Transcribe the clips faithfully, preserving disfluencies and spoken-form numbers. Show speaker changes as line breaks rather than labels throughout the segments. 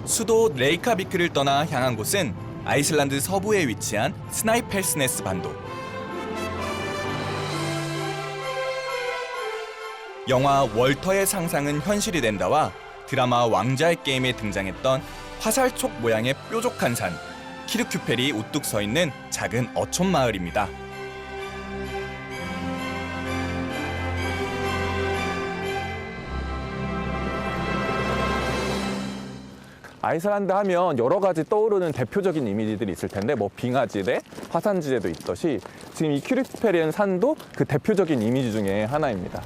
수도 레이카비크를 떠나 향한 곳은 아이슬란드 서부에 위치한 스나이펠스네스 반도. 영화 월터의 상상은 현실이 된다와 드라마 왕자의 게임에 등장했던 화살촉 모양의 뾰족한 산, 키르큐펠이 우뚝 서 있는 작은 어촌 마을입니다.
아이슬란드 하면 여러 가지 떠오르는 대표적인 이미지들이 있을 텐데 뭐 빙하지대, 화산지대도 있듯이 지금 이 키르큐펠이라는 산도 그 대표적인 이미지 중에 하나입니다.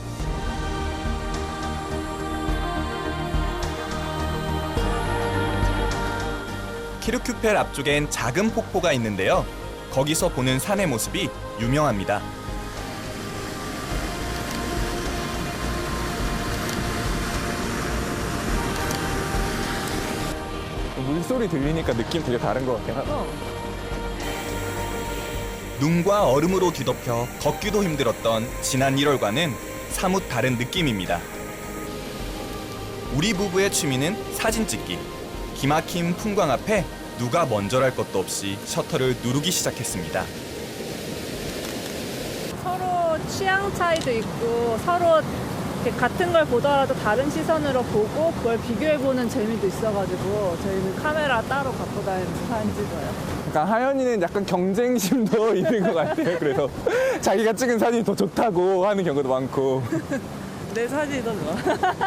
키르큐펠 앞쪽엔 작은 폭포가 있는데요. 거기서 보는 산의 모습이 유명합니다.
물소리 들리니까 느낌 되게 다른 것 같긴 하다.
눈과 얼음으로 뒤덮여 걷기도 힘들었던 지난 일월과는 사뭇 다른 느낌입니다. 우리 부부의 취미는 사진 찍기. 기막힌 풍광 앞에 누가 먼저랄 것도 없이 셔터를 누르기 시작했습니다.
서로 취향 차이도 있고 서로 이렇게 같은 걸 보더라도 다른 시선으로 보고 그걸 비교해보는 재미도 있어가지고 저희는 카메라 따로 갖고 다니면서 사진 찍어요.
그러니까 하연이는 약간 경쟁심도 있는 것 같아요. 그래서 자기가 찍은 사진이 더 좋다고 하는 경우도 많고.
내 사진이 더 좋아.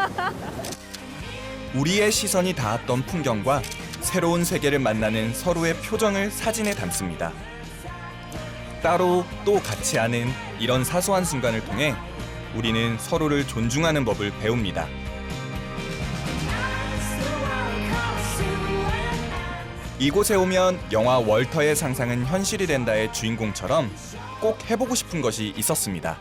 우리의 시선이 닿았던 풍경과 새로운 세계를 만나는 서로의 표정을 사진에 담습니다. 따로 또 같이 하는 이런 사소한 순간을 통해 우리는 서로를 존중하는 법을 배웁니다. 이곳에 오면 영화 월터의 상상은 현실이 된다의 주인공처럼 꼭 해보고 싶은 것이 있었습니다.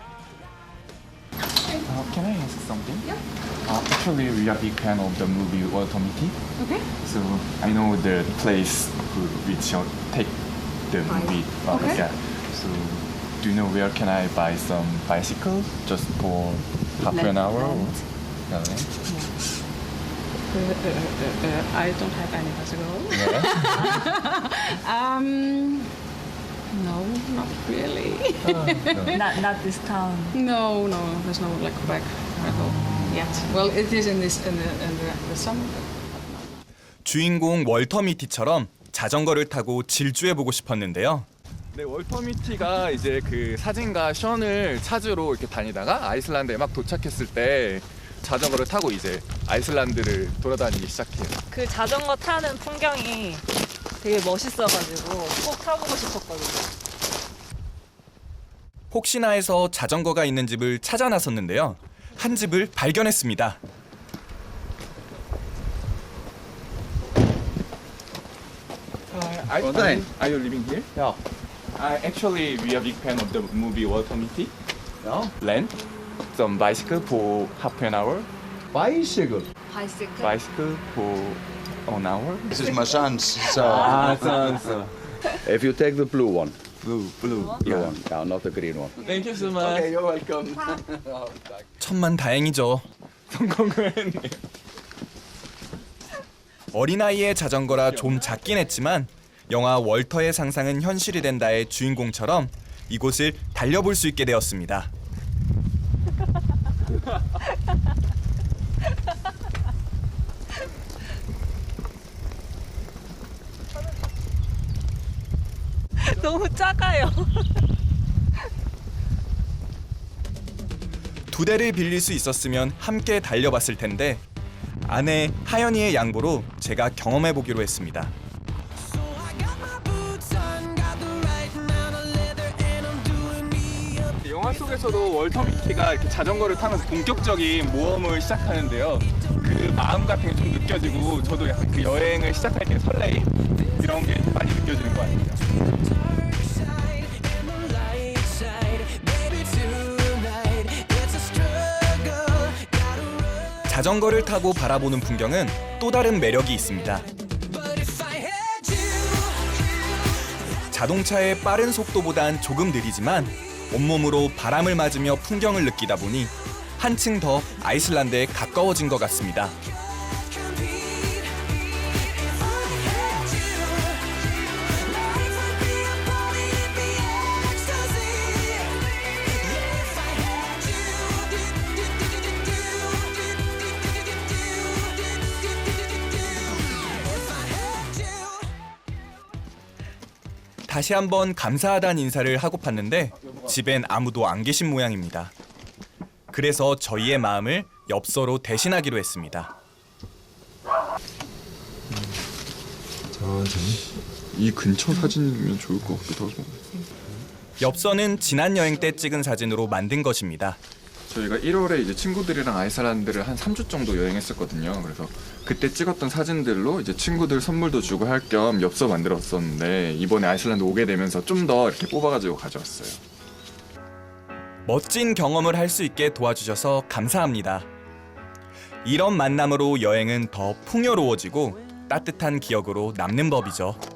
Uh, can I ask something? Yeah. Uh, actually, we are big fan of the movie Automiti.
Okay.
So I know the place who- which you take the movie. Uh,
Okay.
Yeah. So do you know where can I buy some bicycle just for half an
Rent-
hour? or-
rent.
Yeah, rent?
Uh, uh, uh, uh, I don't have any bicycle.
Yeah.
um, no, not really.
Not, not this town.
no, no, there's no like back at all yet. Well, it is in this in the in the, the summer. But
주인공 월터 미티처럼 자전거를 타고 질주해보고 싶었는데요.
네, 월터 미티가 이제 그 사진가 션을 찾으러 이렇게 다니다가 아이슬란드에 막 도착했을 때 자전거를 타고 이제 아이슬란드를 돌아다니기 시작해요.
그 자전거 타는 풍경이 되게 멋있어가지고 꼭 타보고 싶었거든요.
혹시나 해서 자전거가 있는 집을 찾아 나섰는데요. 한 집을 발견했습니다.
Are,
Oh, nice.
are you living here?
Yeah.
Uh, actually, we are big fan of the movie Automiti.
Yeah.
Rent some bicycle for half an hour.
Bicycle.
바이시클?
Bicycle for an hour.
This is my son's. So
아, so,
if you take the blue one,
blue, blue.
blue one, yeah, not the green one.
Thank you so much.
you're welcome.
천만 다행이죠.
성공을 했네요.
어린아이의 자전거라 좀 작긴 했지만 영화 월터의 상상은 현실이 된다의 주인공처럼 이곳을 달려볼 수 있게 되었습니다.
너무 작아요.
두 대를 빌릴 수 있었으면 함께 달려봤을 텐데 아내 하연이의 양보로 제가 경험해보기로 했습니다.
영화 속에서도 월터 미티가 이렇게 자전거를 타면서 본격적인 모험을 시작하는데요. 그 마음 같은 게 좀 느껴지고 저도 약간 그 여행을 시작할 때 설레임 이런 게 많이 느껴지는 것 같아요.
자전거를 타고 바라보는 풍경은 또 다른 매력이 있습니다. 자동차의 빠른 속도보단 조금 느리지만 온몸으로 바람을 맞으며 풍경을 느끼다 보니 한층 더 아이슬란드에 가까워진 것 같습니다. 다시 한번 감사하다는 인사를 하고 팠는데 집엔 아무도 안 계신 모양입니다. 그래서 저희의 마음을 엽서로 대신하기로 했습니다.
이 근처 사진이면 좋을 것 같기도 하고.
엽서는 지난 여행 때 찍은 사진으로 만든 것입니다.
저희가 일월에 이제 친구들이랑 아이슬란드를 한 삼 주 정도 여행했었거든요. 그래서 그때 찍었던 사진들로 이제 친구들 선물도 주고 할 겸 엽서 만들었었는데 이번에 아이슬란드 오게 되면서 좀 더 이렇게 뽑아가지고 가져왔어요.
멋진 경험을 할 수 있게 도와주셔서 감사합니다. 이런 만남으로 여행은 더 풍요로워지고 따뜻한 기억으로 남는 법이죠.